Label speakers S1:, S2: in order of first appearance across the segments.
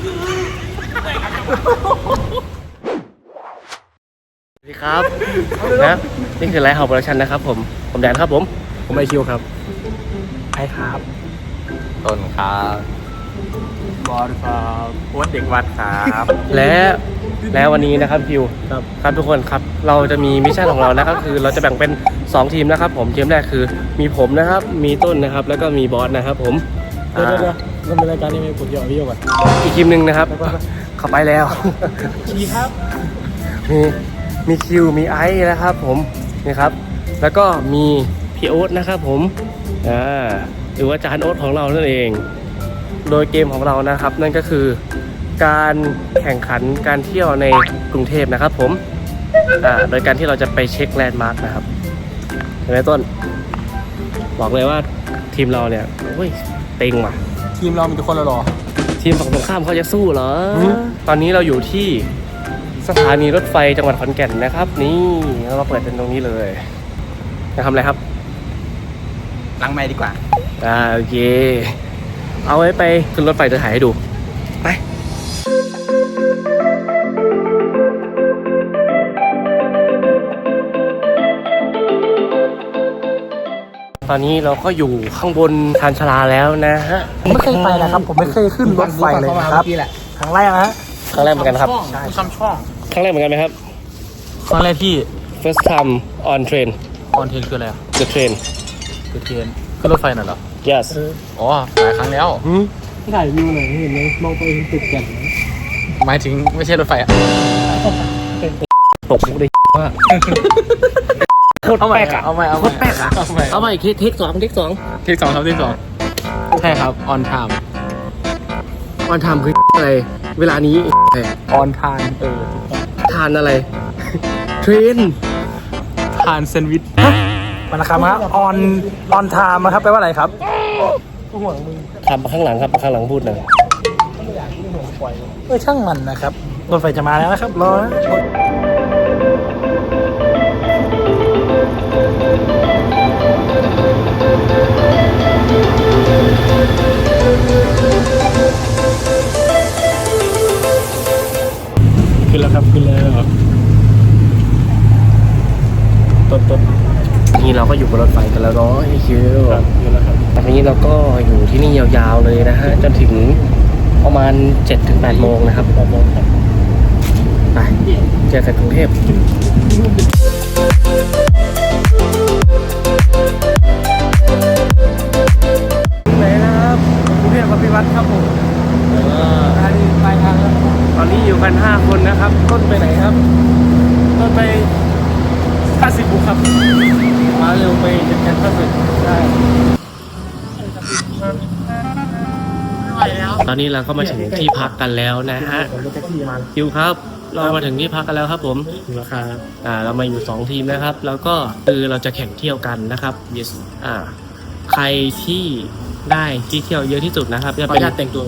S1: สวัสดีครับนะนี่คือไลฟ์เฮาส์โปรดักชั่นนะครับผมแดนครับผมไอคิวครับไอครับต้นครับบอลครับโอ๊ตเด็กวัดครับและวันนี้นะครับคิวครับทุกคนครับเราจะมีมิชชั่นของเรานะครับคือเราจะแบ่งเป็น2ทีมนะครับผมทีมแรกคือมีผมนะครับมีต้นนะครับแล้วก็มีบอสนะครับผมเดี๋ยวเราเป็นรายการนี้ไหมผมจะเอาพี่ก่อนอีกทีมหนึ่งนะครับเข้าไปแล้วชีครับมีคิวมีไอซ์นะครับผมนี่ครับแล้วก็มีพี่โอ๊ตนะครับผมหรือว่าจานโอ๊ตของเรานั่นเองโดยเกมของเรานะครับนั่นก็คือการแข่งขันการเที่ยวในกรุงเทพนะครับผมโดยการที่เราจะไปเช็คแลนด์มาร์คนะครับเห็นไหมต้นบอกเลยว่าทีมเราเนี่ยโอ้ยเต็งว่ะ
S2: ทีมเรามีทุกคนแล้วหรอ
S1: ทีมฝั่งตรงข้ามเขาจะสู้เหรอตอนนี้เราอยู่ที่สถานีรถไฟจังหวัดขอนแก่นนะครับนี่เรามาเปิดเป็นตรงนี้เลยจะทำอะไรครับ
S2: ล้างไม้ดีกว่า
S1: โอเคเอาไว้ไปขึ้นรถไฟจะถ่ายให้ดูไปตอนนี้เราก็อยู่ข้างบนชานชาลาแล้วนะฮะ
S2: ผมไม่เคยไปนะครับผมไม่เคยขึ้นรถไฟเลยนะครับครั้งแรกนะฮะ
S1: ครั้งแรกเหมือนกันครับ
S2: ซ้ำช่อง
S1: ครั้งแรกเหมือนกันไหมครับ
S2: ครั้งแรกที่
S1: first time on train
S2: on train คืออะไรอ่ะ
S1: the train
S2: ขึ้นรถไฟน่ะเหรอ
S1: yes
S2: อ๋อหลายครั้งแล้ว
S1: ถ่ายวิวหน่อยเห็นไหมมองไปเห็นตึกแก่น
S2: หมายถึงไม่ใช่รถไฟอ่ะ
S1: ตกได้ว่าโคตรแปลกอ่ะ
S2: เอาใหม่
S1: โคตรแปลกอ่ะเอาใหม่เทคสอง
S2: ครับใช่ครับ on time
S1: on time คืออะไรเวลานี้
S2: on time
S1: ทานอะไรเทรน
S2: ทานแซนด์วิชมันนะครับฮะ on time นะครับแปลว่าอะไรครับ
S1: ขับข้างหลังครับข้างหลังพูดหน่อย
S2: ช่างมันนะครับรถไฟจะมาแล้วนะครับรอนะขึ้นแล้วครับขึ้นแล้วต้น
S1: นี่เราก็อยู่บนรถไฟกันแล้วเนาะไอคิว
S2: อยู่แล้วครับ
S1: ตอนนี้เราก็อยู่ที่นี่ยาวๆเลยนะฮะจนถึงประมาณ 7-8 โมงนะครับไปเจอกันกรุงเทพไหนนะครับกรุงเทพพิวัตรครับผม
S2: ไปทางแล้ว
S1: ตอนนี้อยู่กัน5 คนนะครับต้นไปไหนครับต้นไป50 บุกครับมาเร็วไปจัดการ50ใช่ตอนนี้เราก็มาถึงที่พักกันแล้วนะฮะคิวครับเรามาถึงที่พักกันแล้วครับผมเรามาอยู่2 ทีมนะครับแล้วก็คือเราจะแข่งเที่ยวกันนะครับ yes ใครที่ได้ที่เที่ยวเยอะที่สุดนะครับจะเป็น
S2: แต่งตัว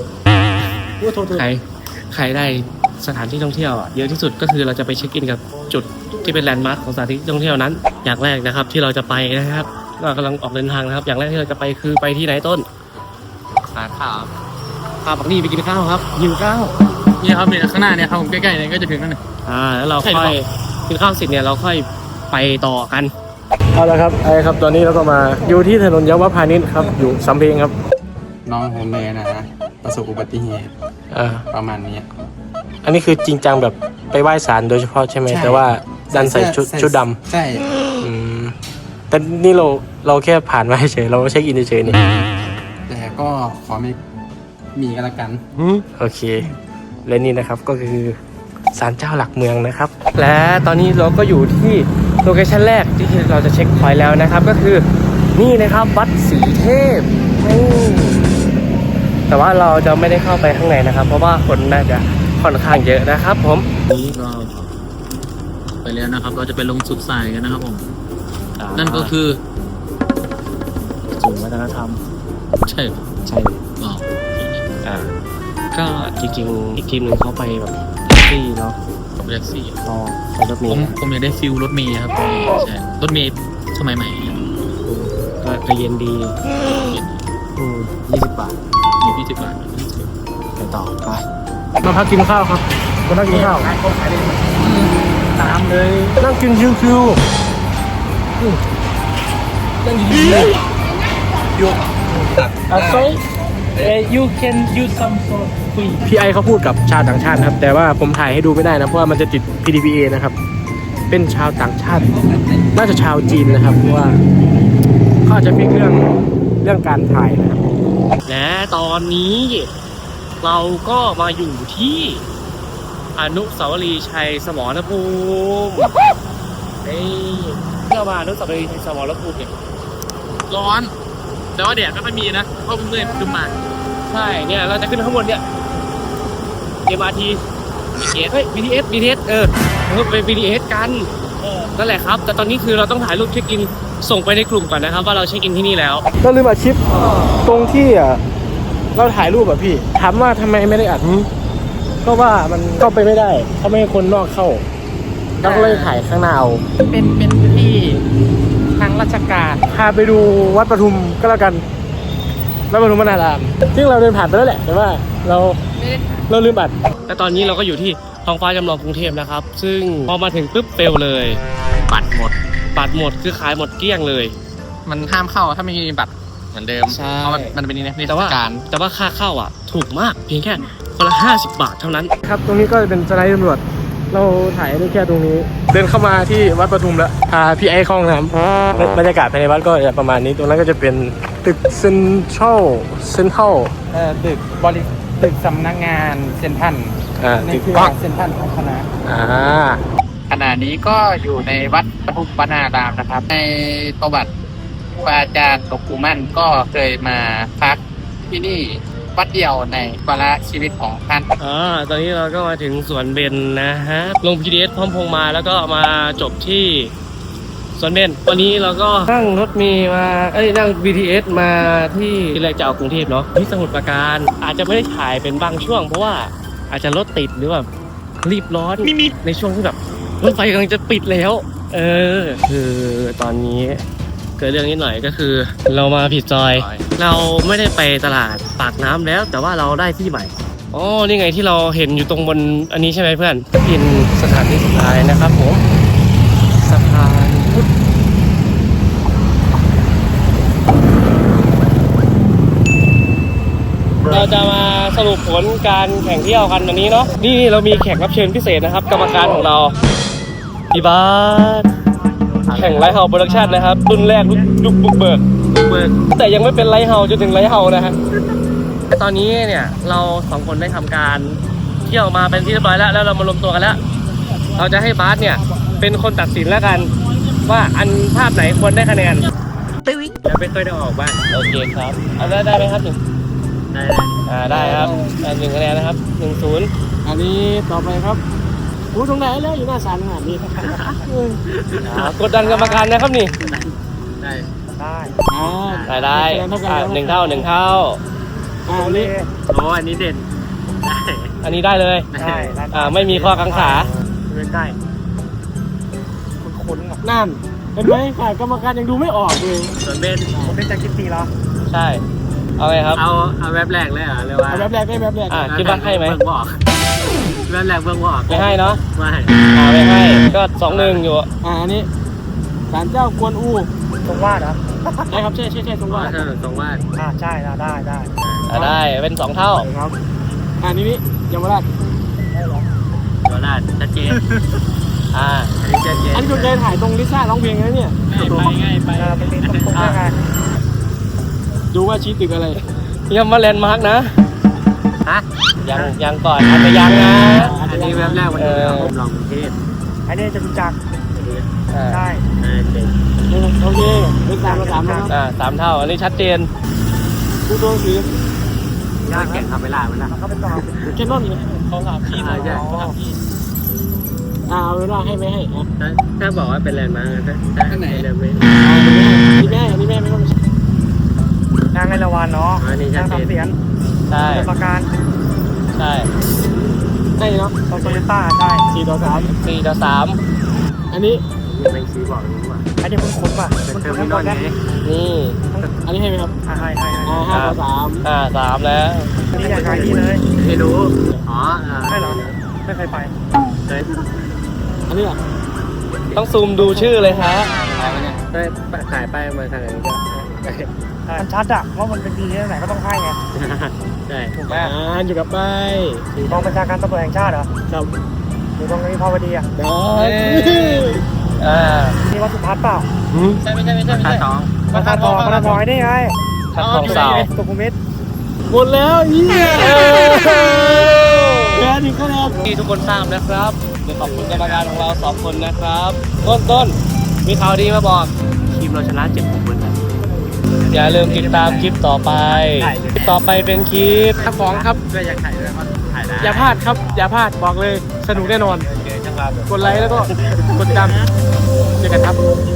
S1: ใครได้สถานที่ท่องเที่ยวเยอะที่สุดก็คือเราจะไปเช็คอินกับจุดที่เป็นแลนด์มาร์คของสถานที่ท่องเที่ยวนั้นอย่างแรกนะครับที่เราจะไปนะครับเรากำลังออกเดินทางนะครับอย่างแรกที่เราจะไปคือไปที่ไหนต้น
S2: ร้านข้าว
S1: พาบักนี่ไปกินข้าวครับหิวข้าว
S2: นี่ครับเนี่ยข้างหน้าเนี่ยครับผมใกล้ๆเนี่ยก็จะถึงนั่นเลย
S1: แล้วเราค่อยกินข้าวเสร็จเนี่ยเราค่อยไปต่อกัน
S2: เอาละครับตอนนี้เราก็มาอยู่ที่ถนนเยาวพานิชครับอยู่สำเพ็งครับ
S3: น้องผมเลยนะประสบอุบัติเหตุประมาณนี้
S2: อันนี้คือจริงจังแบบไปไหว้ศาลโดยเฉพาะใช่ไหมแต่ว่าดันใส่ชุดด
S3: ำใช่
S2: แต่นี่เราแค่ผ่านมาเฉยเราเช็คอินเฉยนี่
S3: แต่ก็ขอไม่มีกันละกัน
S2: โอเคและนี่นะครับก็คือศาลเจ้าหลักเมืองนะครับ
S1: และตอนนี้เราก็อยู่ที่โลเคชั่นแรกที่เราจะเช็คพอยต์แล้วนะครับก็คือนี่นะครับวัดศรีเทพแต่ว่าเราจะไม่ได้เข้าไปข้างในนะครับเพราะว่าคนน่าจะค่อนข้างเยอะนะครับผม
S4: นี่ก็ไปแล้วนะครับเราจะไปลงสุดสายกันนะครับผมนั่นก็คือ
S1: ศูนย์วัฒนธรรม
S4: ใช่
S1: ก็จริงๆอีกทีมหนึ่งเขาไปแบบแท็กซี่เนาะ
S4: แท็กซี่
S1: ไปรถเมล์
S4: ผมอยากได้ฟิลรถเมล์ครับใช่รถเมล์สมัยใหม่
S1: ก็เย็นดี20 บาท
S4: 20 บาท
S2: ต่อไปมาพักกินข้าวครับมานั่งกินข้าวตามเลยนั่งกินชิวๆนั่งดีๆเลยอยู่so you can use some sort พี่ไอเขาพูดกับชาวต่างชาตินะครับแต่ว่าผมถ่ายให้ดูไม่ได้นะเพราะว่ามันจะติด PDPA นะครับเป็นชาวต่างชาติน่าจะชาวจีนนะครับเพราะว่าเขาอาจจะมีเรื่องการถ่ายนะครับ
S1: และตอนนี้เราก็มาอยู่ที่อนุสาวรีย์ชัยสมรภูมิเพื่อมาอนุสาวรีย์ชัยสมรภูมิเนี่ย
S4: ร้อน แต่ว่าแดดไม่ค่อยมีนะเพราะเพิ่งเลยขึ้นมา
S1: ใช่เนี่ยเราจะขึ้นข้างบนเนี่ย MRT BTS เฮ้ย BTS เราไป BTS กันนั่นแหละครับ แต่ตอนนี้คือเราต้องถ่ายรูปเช็คอินส่งไปในกลุ่มก่อนนะครับว่าเราเช็คอินที่นี่แล้ว
S2: ก็ลืมอัดคลิปตรงที่เราถ่ายรูปพี่ถามว่าทำไมไม่ได้อัดก็ว่ามันเข้าไปไม่ได้เขาไม่ให้คนนอกเข้าเราก็เลยถ่ายข้างหน้าเอาเป็นที่ทางราชการพาไปดูวัดปทุมก็แล้วกันวัดปทุมวนารามซึ่งเราเดินผ่านไปแล้วแหละแต่ว่าเราลืมอัด
S1: แต่ตอนนี้เราก็อยู่ที่ท้องฟ้าจำลองกรุงเทพนะครับ ซึ่งพอมาถึงปุ๊บเฟลเลย
S4: ปัดหมด
S1: บัตรหมดคือขายหมดเกลี้ยงเลย
S4: มันห้ามเข้าถ้าไม่มีบัตรเหมือนเดิม
S1: ใช่
S4: เพราะมันเป็นนิทร
S1: แต่ว่า
S4: รศการ
S1: แต่ว่าค่าเข้าอ่ะถูกมากเพียงแค่คนละ50 บาทเท่านั้น
S2: ครับตรงนี้ก็จะเป็นสไลด์ตำรวจเราถ่ายได้แค่ตรงนี้ เดินเข้ามาที่วัดปทุมแล้วพาพี่ไอ้เข้าห้องน้ำบรรยากาศภายในวัดก็จะประมาณนี้ตรงนั้นก็จะเป็นตึกเซ็นทรัล
S3: ตึกสำนักงานเซ็นทรัล
S2: ตึก
S3: คือ
S2: กว้าง
S3: เซ็นทรัลของคณะ
S4: ขณะนี้ก็อยู่ในวัดปทุมวนารามนะครับ ในประวัติครูอาจารย์หลวงปู่มั่นก็เคยมาพักที่นี่วัดเดียวในวาระชีวิตของท่าน
S1: ตอนนี้เราก็มาถึงสวนเบญนะฮะ ลง PDS พร้อมพงษ์มาแล้วก็มาจบที่สวนเบญวันนี้เราก็นั่งรถเมล์มานั่ง BTS มาที่แรกจะเอากรุงเทพเนาะที่สมุทรปราการอาจจะไม่ได้ถ่ายเป็นบางช่วงเพราะว่าอาจจะรถติดหรือแบบรีบร้อนในช่วงที่แบบรถไฟกำลังจะปิดแล้วคือตอนนี้เกิดเรื่องนิดหน่อยก็คือเรามาผิดซอย เราไม่ได้ไปตลาดปากน้ำแล้วแต่ว่าเราได้ที่ใหม่อ๋อนี่ไงที่เราเห็นอยู่ตรงบนอันนี้ใช่ไหมเพื่อนเป็นสถานที่สุดท้ายนะครับผมสะพานพุทธเราจะมาสรุปผลการแข่งเที่ยวกันวันนี้เนาะนี่เรามีแขกรับเชิญพิเศษนะครับกรรมการของเราพี่บาสแข่งไลท์เฮาส์โปรดักชั่นนะครับรุ่นแรกยุคบุกเบิกแต่ยังไม่เป็นไลท์เฮาส์จนถึงไลท์เฮาส์นะฮะตอนนี้เนี่ยเราสองคนได้ทำการเที่ยวมาเป็นที่เรียบร้อยแล้วเรามารวมตัวกันแล้วเราจะให้บาสเนี่ยเป็นคนตัดสินแล้วกันว่าอันภาพไหนควรได้คะแนนแล้วไม่เคยได้ออกบ้างโอเคครับเอาได้ไหมครับได้ครับ1 คะแนนนะครับ1-0
S2: อันนี้ต่อไปครับตรงไหนแล้วอยู่หน้าศาลขนาดนี้
S1: กดดันกรรมการนะครับนี่
S4: ได้
S1: ได้1 เท่า1 เท่า
S2: อันนี้
S4: โอ้อันนี้เด่นได้
S1: อันนี้ได้เลยไม่มีข้อกังขาได้
S2: คุ้นๆนั่นเห็นไหมฝ่ายกรรมการยังดูไม่ออกเลย
S1: ส่วนเบน
S2: ผมเป็นจากคิดตีแล้ว
S1: ใช่เอาไงครับ
S4: เอาแวบแรกเลยเหรอหรือว่า
S2: แบบแรกได้แบบแรก
S1: คิดว่าให้ไหม
S4: เบิ่งบอกแวบแรกเบิ่งบอก
S1: ไม่ให้เนาะ
S4: ไม่
S1: ไม่ให้ก็2-1อยู่
S2: อันนี้ศาลเจ้ากวนอูตรงวาดเหรอใช่ครับใช่ตรงวาด
S4: ตรงว่า
S2: ใช่ได้
S1: ได้เป็น2 เท่า
S2: ครับอันนี้เยาวราช
S4: เวลาชัดเจนอันนี้ชัดเจน
S2: อันนี้คุณเคยถ่ายตรงลิซ่าร้องเพลงนะเนี่ย
S4: ง่ายไป
S2: ดูว่าชี้ตึกอะไร
S1: ยังมาแลนด์มาร์กนะ
S4: ฮะ
S1: ยังก่อนอาจจะยังนะ
S4: อันนี้แวบแรกวันนี้ผมลองกรุงเทพ
S2: อันนี้จะรู้จักได้
S4: เด่น
S2: โอเคเป็น3 ต่อ 3นะครับ
S1: 3 เท่าอันนี้ชัดเจน
S2: ดูตัวสี
S4: ยากแข่งทำเวลามันนะ
S2: เขาเป็นต่อแค่นอนนี่เขาถามพี่เอาเวลาให้ไม่ให้
S4: ถ้าบอกว่าเป็นแลนด์มาร์คถ้าไหนเดวิด
S2: อันนี้แม่ไม่ต้องนางไอละวันเนาะ
S4: อันนี้ชัดเจน
S1: ใช่
S2: ประการ
S1: ใช่
S2: เนาะโตโยต้าใช่4 ต่อ 3
S1: 4 ต่อ 3
S2: อันนี้
S1: ไม่ชี้บอกรู้ว่า
S2: อันนี้คุ้นๆป่ะ
S1: เป็นเทอร์มินอลไง
S2: นี่อันนี้ให้ไหมครับให้5 3
S1: แล้ว
S2: นี่อยากขายดีเลย
S1: ไม่รู้อ๋อ
S2: ใช่เหรอไม่เคยไป อันนี้อ่ะ
S1: ต้องซูมดูชื่อเลยฮะได้ขายไปมาทางไหนก็
S2: มันชัดอ่ะว่ามันเป็นดีที่ไหนก็ต้องให้ไง
S1: ใช่
S2: ถูกไหมอยู่กับไปกองบัญชาการตำรวจแห่งชาติเหรอครับอยู่ตรงนี้พาวดีอ่ะนี่วัดสุทัศน์เปล่า
S1: ใช่ไม่ใช่สอง
S2: วัดทองได้ไง
S1: ทองสาว
S2: สุขุมวิทหมดแล้วแค่นี้ก็แล้ว
S1: ที่ทุกคนทราบนะครับเดี๋ยวขอบคุณกรรมการของเรา2 คนนะครับต้นมีข่าวดีมาบอกทีมเราชนะ7-6เลยนะอย่าลืมติดตามคลิปต่อไปคลิปต่อไปเป็นคลิป
S2: ของครับ
S4: อยากถ่ายด้วยมันถ่ายได้
S2: อย่าพลาดครับ อย่าพลาดบอกเลยสนุกแน่นอน กดไลค์แล้วก็กดติดตามเจอกันครับ